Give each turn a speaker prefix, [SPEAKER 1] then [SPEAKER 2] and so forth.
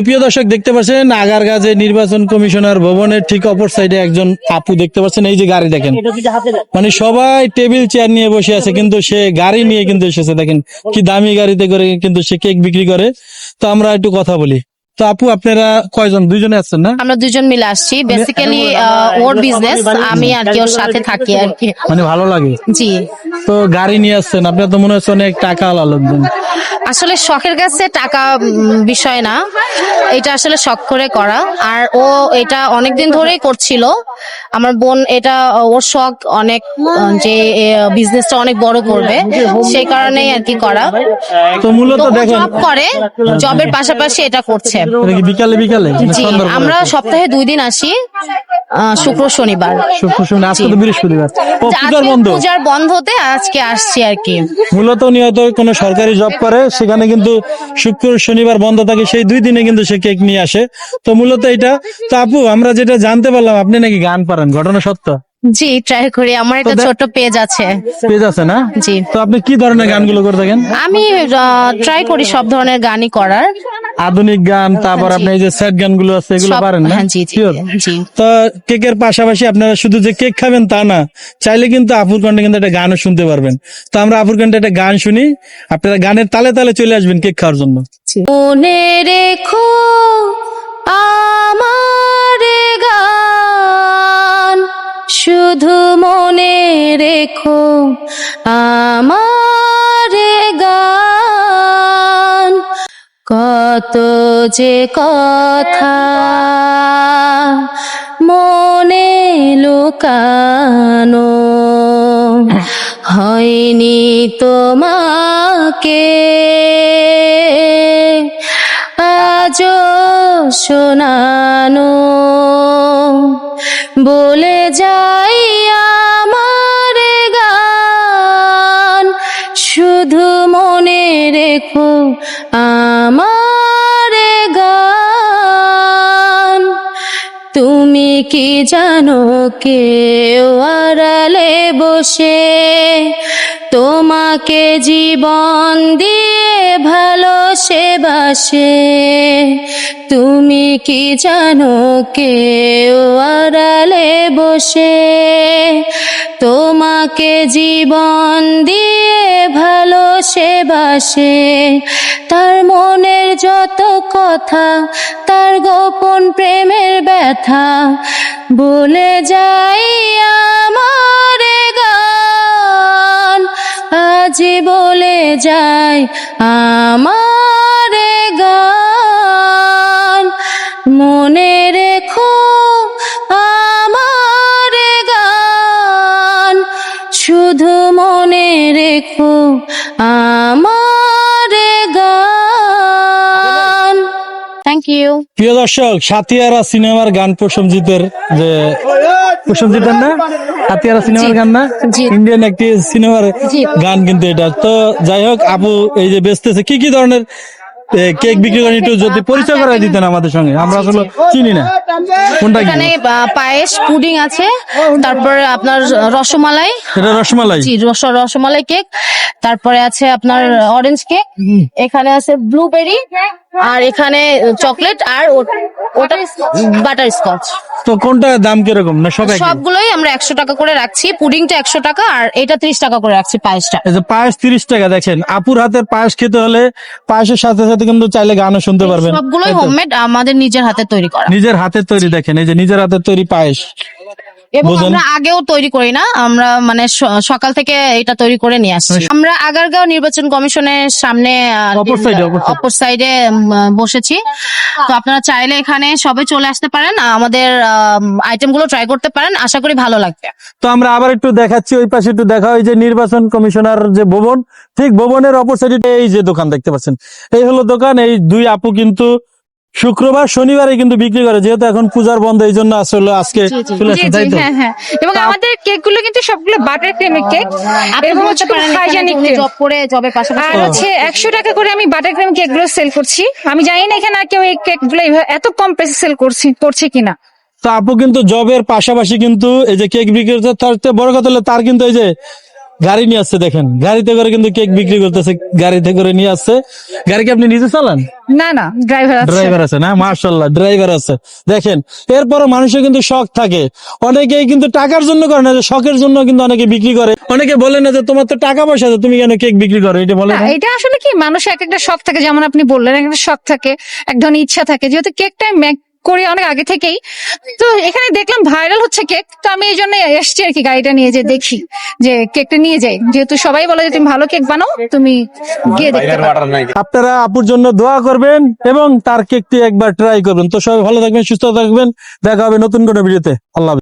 [SPEAKER 1] প্রিয় দর্শক দেখতে পাচ্ছেন আগারগাঁওয়ে নির্বাচন কমিশনার ভবনের ঠিক অপর সাইডে একজন আপু দেখতে পাচ্ছেন, এই যে গাড়ি দেখেন, মানে সবাই টেবিল চেয়ার নিয়ে বসে আছে কিন্তু সে গাড়ি নিয়ে কিন্তু এসেছে, দেখেন কি দামি গাড়িতে করে কিন্তু সে কেক বিক্রি করে। তো আমরা একটু কথা বলি। তো আপু আপনারা কয়জন? দুইজনে আছেন না?
[SPEAKER 2] আমরা দুজন মিলে আসছি, বেসিক্যালি ওর বিজনেস, আমি আর কি ওর সাথে থাকি আর কি।
[SPEAKER 1] মানে ভালো লাগে।
[SPEAKER 2] জি,
[SPEAKER 1] তো গাড়ি নিয়ে আসছেন, আপনার তো মনে হচ্ছে অনেক টাকা আলা লোকজন।
[SPEAKER 2] আসলে শখের কাছে টাকা বিষয় না, এটা আসলে শখ করে করা। আর ও এটা অনেকদিন ধরেই করছিল, আমার বোন এটা ওর শখ অনেক, যে বিজনেসটা অনেক বড় করবে, সেই কারণেই আর কি করা।
[SPEAKER 1] তো মূলত দেখেন
[SPEAKER 2] জব করে, জবের পাশাপাশি এটা করছে।
[SPEAKER 1] এটা কি বিকালে বিকালে না
[SPEAKER 2] জি,
[SPEAKER 1] সন্ধ্যার পরে?
[SPEAKER 2] আমরা সপ্তাহে 2 দিন আসি, শুক্র শনিবার।
[SPEAKER 1] শুক্র শনি, আজকে তো বৃহস্পতিবার, ও
[SPEAKER 2] যে
[SPEAKER 1] পূজার
[SPEAKER 2] আজকে
[SPEAKER 1] বন্ধ।
[SPEAKER 2] পূজার বন্ধতে আজকে আসছি আর কি।
[SPEAKER 1] মূলত নিয়ত কোনো সরকারি জব করে, সেখানে কিন্তু শুক্র শনিবার বন্ধ থাকে, সেই 2 দিনে কিন্তু সে কেক নিয়ে আসে। তো মূলত এটা। তো আপু আমরা যেটা জানতে পারলাম আপনি নাকি গান পারেন, ঘটনা সত্য?
[SPEAKER 2] জি, ট্রাই করি, আমার একটা ছোট পেজ আছে।
[SPEAKER 1] পেজ আছে না?
[SPEAKER 2] জি।
[SPEAKER 1] তো আপনি কি ধরনের গানগুলো করে থাকেন?
[SPEAKER 2] আমি ট্রাই করি সব ধরনের গানই করার।
[SPEAKER 1] আধুনিক গান, তারপর আপনি এই যে স্যাড গানগুলো আছে এগুলো
[SPEAKER 2] সব-
[SPEAKER 1] পারেন না?
[SPEAKER 2] হ্যাঁ, জি, জি,
[SPEAKER 1] Sure?
[SPEAKER 2] জি।
[SPEAKER 1] তো কেকের পাশাপাশি আপনারা শুধু যে কেক খাবেন তা না, চাইলে কিন্তু আপুর কণ্ঠে কিন্তু একটা গানও শুনতে পারবেন। তো আমরা আপুর কণ্ঠে একটা গান শুনি, আপনারা গানের তালে তালে চলে আসবেন কেক খাওয়ার জন্য।
[SPEAKER 2] মনে রেখো আমার গান, শুধু মনে রেখো আমার গান, কত যে কথা মনে লুকানো, হয়নি তোমাকে আজও শোনানো, বলে যাই আমার গান, শুধু মনে রেখো আমার গান। তুমি কি জানো কেউ আড়ালে বসে তোমাকে জীবন দিয়ে ভালোসে বাসে? তুমি কি জানো কেউ আড়ালে বসে তোমাকে জীবন দিয়ে ভালোসে বাসে? তার মনের যত কথা, তার গোপন প্রেমের ব্যথা, বলে যাই আমার গান, আজি বলে যাই আমার গান। মনে রেখো আমার গান, শুধু মনে রেখো আমার গান। Thank you.
[SPEAKER 1] প্রিয় দর্শক, সাতিয়ারা সিনেমার গান প্রসেনজিতের, যে প্রসেনজিতের না, সাতিয়ারা সিনেমার গান না,
[SPEAKER 2] জি।
[SPEAKER 1] ইন্ডিয়ান একটি সিনেমার
[SPEAKER 2] জি।
[SPEAKER 1] গান কিন্তু এটা। তো যাই হোক, আপু এই যে বেচতেছে কি কি ধরনের কেক বিক্রি করেন, একটু যদি পরিচয় করে দিতেন আমাদের সঙ্গে, আমরা আসলে চিনি না কোনটা কি।
[SPEAKER 2] এখানে পায়েস, পুডিং আছে, তারপরে আপনার রসমালাই,
[SPEAKER 1] এটা রসমালাই।
[SPEAKER 2] জি, রসমালাই কেক, তারপরে আছে আপনার অরেঞ্জ কেক, এখানে আছে ব্লুবেরি, আর এখানে চকলেট, আর ওটা বাটার স্কচ।
[SPEAKER 1] তো কোনটা দাম কিরকম, না সব একই?
[SPEAKER 2] সবগুলোই আমরা 100 টাকা করে রাখছি, পুডিংটা 100 টাকা, আর এটা 30 টাকা করে রাখছি পায়েসটা।
[SPEAKER 1] এই যে পায়েস 30 টাকা, দেখেন আপুর হাতের পায়েস খেতে হলে পায়েসের সাথে সাথে কিন্তু চাইলে গানও শুনতে পারবেন।
[SPEAKER 2] সবগুলোই
[SPEAKER 1] তাই তো?
[SPEAKER 2] হোমমেড, আমাদের নিজের হাতে তৈরি করা,
[SPEAKER 1] নিজের হাতের তৈরি, দেখেন এই যে নিজের হাতের তৈরি পায়েস।
[SPEAKER 2] এবং
[SPEAKER 1] বুঝেন?
[SPEAKER 2] আমরা আগেও তৈরি করি না, আমরা মানে সকাল থেকে এটা তৈরি করে নিয়ে আসছি। আমরা আগারগাঁও নির্বাচন কমিশনের সামনে
[SPEAKER 1] অপর সাইডে
[SPEAKER 2] অপর সাইডে বসেছি। তো আপনারা চাইলে এখানে সবাই চলে আসতে পারেন, আমাদের আইটেম গুলো ট্রাই করতে পারেন, আশা করি ভালো লাগবে।
[SPEAKER 1] তো আমরা আবার একটু দেখাচ্ছি, ওই পাশে একটু দেখা, ওই যে নির্বাচন কমিশনার যে ভবন, ঠিক ভবনের অপর সাইডে এই যে দোকান দেখতে পাচ্ছেন, এই হলো দোকান। এই দুই আপু কিন্তু শুক্রবার শনিবারে কিন্তু বিক্রি করে, যেহেতু এখন পূজার বন্ধ, এই জন্য আসলে আজকে চলে আসছে, তাই তো?
[SPEAKER 3] হ্যাঁ। এবং আমাদের কেক গুলো কিন্তু সবগুলো বাটার ক্রিমের কেক, এবং হচ্ছে হাইজেনিক কেক।
[SPEAKER 2] জব করে জবের পাশাপাশি
[SPEAKER 3] আর হচ্ছে 100 টাকা করে আমি বাটার ক্রিম কেক গুলো সেল করছি। আমি জানি না এখানে আর কেউ এই কেক গুলো এত কম প্রাইসে সেল করছে কিনা।
[SPEAKER 1] তো আপু কিন্তু জবের পাশাপাশি কিন্তু এই যে কেক বিক্রি করছে, তার চেয়ে বড় কথা হলো তার কিন্তু এই যে গাড়ি নিয়ে আসছে, দেখেন গাড়িতে করে কিন্তু কেক বিক্রি করতেছে, গাড়িতে করে নিয়ে আসছে। গাড়ি কি আপনি নিজে চালান?
[SPEAKER 3] না না, ড্রাইভার আছে।
[SPEAKER 1] ড্রাইভার আছে না, মাশাআল্লাহ ড্রাইভার আছে। দেখেন এরপরও মানুষের কিন্তু শখ থাকে, অনেকেই কিন্তু টাকার জন্য করে না, যে শখের জন্য কিন্তু অনেকে বিক্রি করে। অনেকে বলে না যে তোমার তো টাকা পয়সা আছে, তুমি কেন কেক বিক্রি করো, এটা বলে
[SPEAKER 3] না,
[SPEAKER 1] না?
[SPEAKER 3] এটা আসলে কি, মানুষের এক একটা শখ থাকে, যেমন আপনি বললেন এক একটা শখ থাকে, এক ধরনের ইচ্ছা থাকে। যেহেতু কেকটা মেক করি অনেক আগে থেকেই, তো এখানে দেখলাম ভাইরাল হচ্ছে কেক, তো আমি এই জন্য এসছি আর কি, গাড়িটা নিয়ে যে দেখি যে কেকটা নিয়ে যাই, যেহেতু সবাই বলে যে তুমি ভালো কেক বানাও, তুমি গিয়ে দেখতে পারো।
[SPEAKER 1] আপনারা আপুর জন্য দোয়া করবেন এবং তার কেকটি একবার ট্রাই করবেন। তো সবাই ভালো থাকবেন, সুস্থ থাকবেন, দেখা হবে নতুন কোনো ভিডিওতে। আল্লাহ হাফেজ।